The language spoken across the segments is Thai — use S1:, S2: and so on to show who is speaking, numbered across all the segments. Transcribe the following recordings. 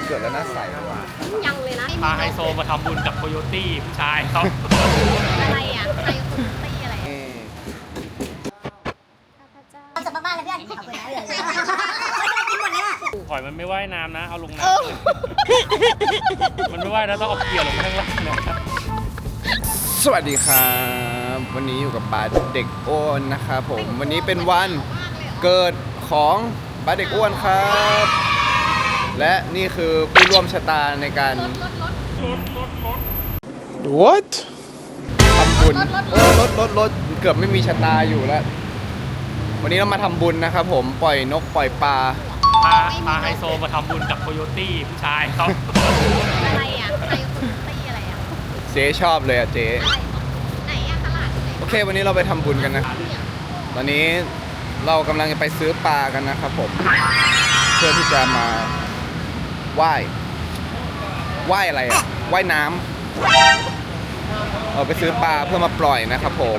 S1: เกิดแล้วน่าใสว่ะ
S2: ยังเลยนะ
S3: พาไฮโซมาทำบุญกับโคโยตี้ผู้ชายเขา
S2: อะไรอ่ะไฮโซตี้อะไร
S4: ความสุขมากๆเลยเพื่อนขอบคุณนะเลยกินหมดเลยอ่ะ
S3: หอยมันไม่ว่ายน้ำนะเอาลงน้ำมันไม่ว่ายนะต้องเอาเกี่ยวลงข้างล่างนะ
S1: สวัสดีครับวันนี้อยู่กับบาสเด็กอ้วนนะครับผมวันนี้เป็นวันเกิดของบาสเด็กอ้วนครับ และนี่คือผู้ร่วมชะตาในการWhat ทำบุญรถเกือบไม่มีชะตาอยู่แล้ววันนี้เรามาทำบุญนะครับผมปล่อยนกปล่อยปลา
S3: พาไฮโซมาทำบุญกับโคโยตี้ผู้ชายเขา
S2: อะไรอ่ะไฮโซตี้อะไรอ่ะ
S1: เจ๊ชอบเลยอ่ะเจ๊
S2: ไหนอ่ะตลาดโอ
S1: เควันนี้เราไปทำบุญกันนะตอนนี้เรากำลังจะไปซื้อปลากันนะครับผมเพื่อที่จะมาว่ายอะไรอ่ะว่ายน้ำเอาไปซื้อปลาเพื่อมาปล่อยนะครับผม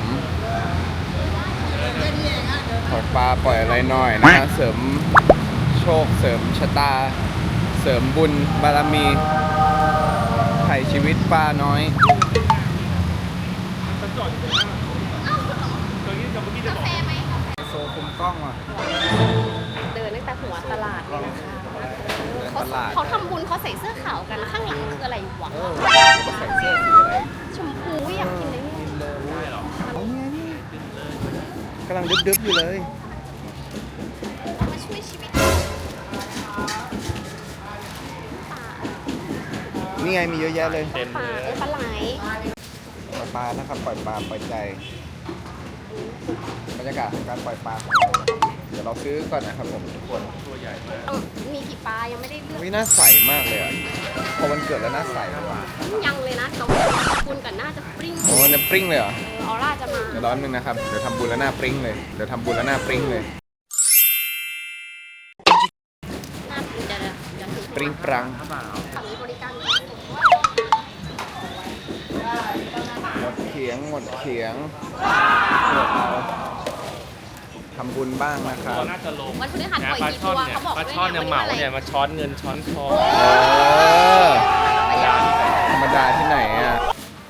S1: ปล่อยปลาปล่อยอะไรหน่อยนะเสริมโชคเสริมชะตาเสริมบุญบารมีไถ่ชีวิตปลาน้อย
S2: กาแฟไหม
S1: โซคุมกล้องอ่ะ
S2: เดินตั้งแต่หัวตลาดเลยนะคะเขาทำบุญเขาใส่เสื้อขาวกันข้างหลังคืออะไรวะ
S1: ใส่เสื้อสีอะไร
S2: ชมพูอยากกินเลย
S1: กำลังดึบๆอยู่เลย
S2: มาช่วยชีวิต
S1: นี่ไงมีเยอะแยะเลย
S2: ปลาปลาไหล
S1: ปลานะครับปล่อยปลาปล่อยใจบรรยากาศของการปล่อยปลาของเราเดี๋ยวเราซื้อก่อนนะครับผมทุกคน
S3: ตัวใหญ่มาก
S2: มีกี่ปลายังไม่ได้เลือก
S1: วิน่าใสมากเลยอ่ะพอวันเกิดแล้วน่าใสว่ะ
S2: ยังเลยนะต้องคุณกันน่าจะปริ้ง
S1: โอ้เนี่ยปริ้งเลยเหรอ
S2: ออร่าจะมา
S1: เดี๋ยวร้อนนึงนะครับเดี๋ยวทำบุญแล้วหน้าปริ้งเลยเดี๋ยวทำบุญแล้วหน้าปริ้งเลยปริ้งปรัง
S2: บริการ
S1: หมดเขียงทำบุญบ้างนะครับ
S3: น่าจะลง
S2: วันพฤหัสปล่อยกี่ตัวเขาบอก
S3: ปลาช่อนเนี่ยเหมาเนี่ยมาช้อนเงินช้อนทอง
S1: ธรรมดาที่ไหนอ่ะ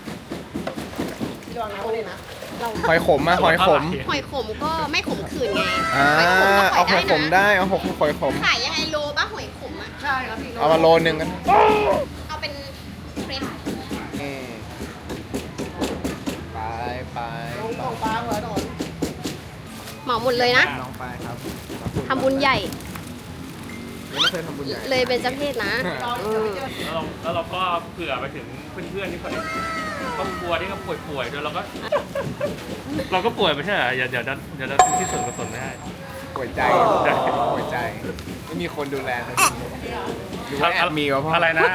S1: หอยขมอะหอยขม
S2: ก็ไม่ขมขื่นไง
S1: เอาหอยขมได้เอาหอยขม
S2: ขายยังไงโลป่ะหอยขมอ่ะใช่ครับพี่
S1: เอามาโลนึงกัน
S2: เอาเป็นเฟรน
S1: ไป
S2: เหมาหมดเลยนะ
S1: น้องไปครับ
S2: ทำบุญใหญ่
S1: ไม่เคยทำบุญใหญ่
S2: เลยเป็นเจ้าเพศนะ
S3: แล้วเราก็เผื่อไปถึงเพื่อนๆที่เขาครอบครัวที่เขาป่วยด้วยเราก็ป่วยไม่ใช่เหรอเดี๋ยวที่ส่วนกุศลไม่ได้
S1: ป่วยใจไม่มีคนดูแลเลยหรือว่าแอบมีวะพ่อ
S3: อะไรนะ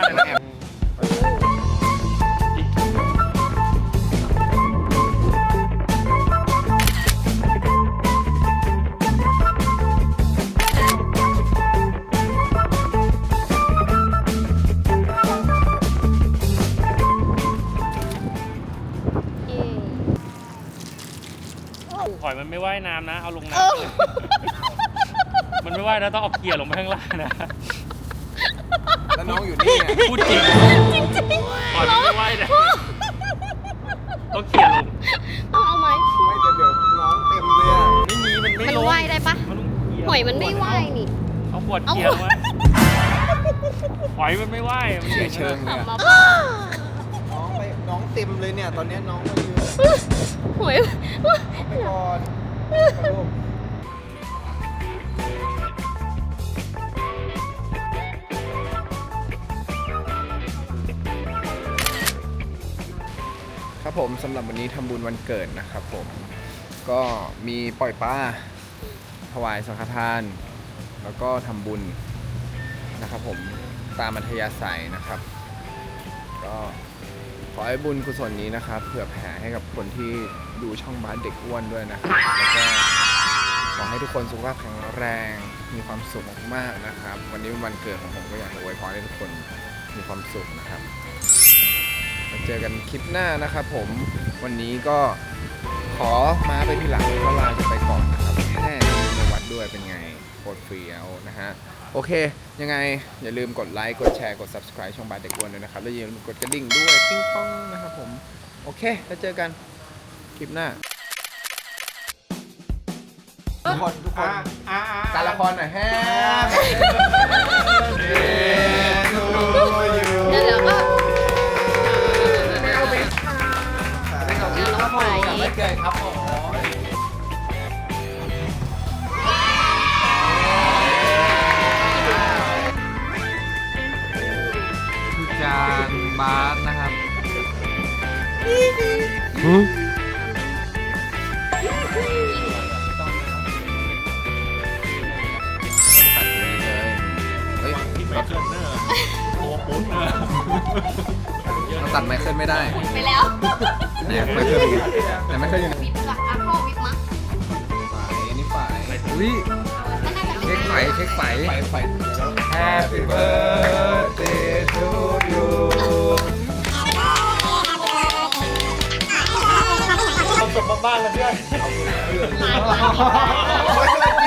S3: หอยมันไม่ว่ายน้ำนะเอาลงน้ำมันไม่ว่ายนะต้องเอาเกี่ยวลงไปข้างล่างนะ
S1: แล้วน้องอยู่นี่
S3: พูดจริงหอยมันไม่ว่ายนะต้องเกี่ยวลง
S2: เอาไหม
S1: ไม่แต่เดี๋ยวน้องเต็มเลยอ่ะ
S3: มันไม่
S2: ว่ายได้ปะหอยมันไม่ว่ายนี่
S3: เอาขวดเกี่ยวไว้หอยมันไม่ว่ายมัน
S1: เชิงเนี่ยน้องเต็มเลยเนี่ยตอนนี้น้องมายืน
S2: หอย
S1: ไปก่อนครับผมสำหรับวันนี้ทำบุญวันเกิดนะครับผมก็มีปล่อยปลาถวายสังฆทานแล้วก็ทำบุญนะครับผมตามอัธยาศัยนะครับก็ขอให้บุญกุศลนี้นะครับเผื่อแผ่ให้กับคนที่ดูช่องบาสเด็กอ้วนด้วยนะครับแล้วก็ขอให้ทุกคนสุขภาพแข็งแรงมีความสุขมากๆนะครับวันนี้เป็นวันเกิดของผมก็อยากอวยพรให้ทุกคนมีความสุขนะครับมาเจอกันคลิปหน้านะครับผมวันนี้ก็ขอมาไปทีหลังก็ลาจะไปก่อนนะครับแค่ในวัดด้วยเป็นไงโคตรเฟี้ยวนะฮะโอเคยังไงอย่าลืมกดไลค์กดแชร์กด subscribe ช่องบาร์เด็กอ้วนด้วยนะครับแล้วอย่าลืมกดกระดิ่งด้วยปิ้งป้องนะครับผมโอเคแล้วเจอกันคลิปหน้าทุกคนการละครหน่อยแฮม
S2: เดี๋ยวก็
S1: ไม่เอาไปครับผมไม่เกิดครับผมคือจานบาสนะครับตัดเลยเฮ้ย
S3: ที่ไม่เกินเนอร์โอ้ปุ๊บเนอร์
S1: เราตัดไมเคิลไม่ได้
S2: ไปแล้ว
S1: เนี่ยไมเคิลแต่ไมเคิลอยู่ไหน
S2: วิปหลักอ่ะพ่อวิปมั้ง
S1: ฝ่ายนี่ฝ่ายอุ้ย
S2: ก็น่าจะเป็น
S1: เช็คไฟHappy birthday to you
S3: ความสุขบ้านๆเลยเพื่อน
S2: หลายคน